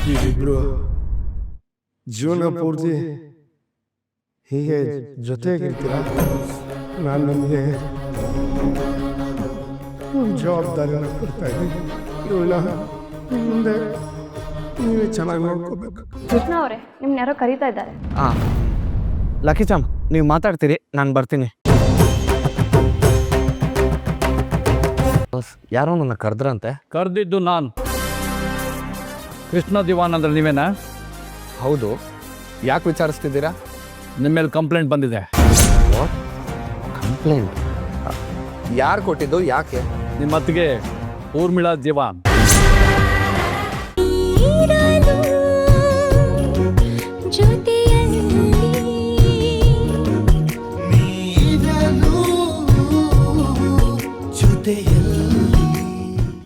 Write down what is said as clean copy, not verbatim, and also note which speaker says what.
Speaker 1: ನೀವಿಬ್ರು ಜೀವನ ಪೂರ್ತಿ ಹೀಗೆ ಜೊತೆಗಿರ್ತೀರ. ನಾನು ನಿಮಗೆ ಜವಾಬ್ದಾರಿನ ಕೊಡ್ತಾ ಇದ್ದೀನಿ. ಇವಳನ್ನ ಮುಂದೆ ನೀವೇ ಚೆನ್ನಾಗಿ ನೋಡ್ಕೋಬೇಕು.
Speaker 2: ಕೃಷ್ಣ ಅವರೇ, ನಿಮ್ನ ಯಾರೋ ಕರೀತಾ ಇದ್ದಾರೆ.
Speaker 3: ಲಕ್ಕಿ ಚಾಮ್, ನೀವು ಮಾತಾಡ್ತೀರಿ, ನಾನು ಬರ್ತೀನಿ. ಯಾರೋ ನನ್ನ ಕರೆದ್ರಂತೆ.
Speaker 4: ಕರೆದಿದ್ದು ನಾನು. ಕೃಷ್ಣ ದಿವಾನ್ ಅಂದ್ರೆ ನೀವೇನಾ?
Speaker 3: ಹೌದು, ಯಾಕೆ ವಿಚಾರಿಸ್ತಿದ್ದೀರಾ?
Speaker 4: ನಿಮ್ಮ ಮೇಲೆ ಕಂಪ್ಲೇಂಟ್ ಬಂದಿದೆ.
Speaker 3: ಕಂಪ್ಲೇಂಟ್? ಯಾರು ಕೊಟ್ಟಿದ್ದು? ಯಾಕೆ?
Speaker 4: ನಿಮ್ಮ ಅತ್ತಿಗೆ ಊರ್ಮಿಳಾ ದಿವಾನ್.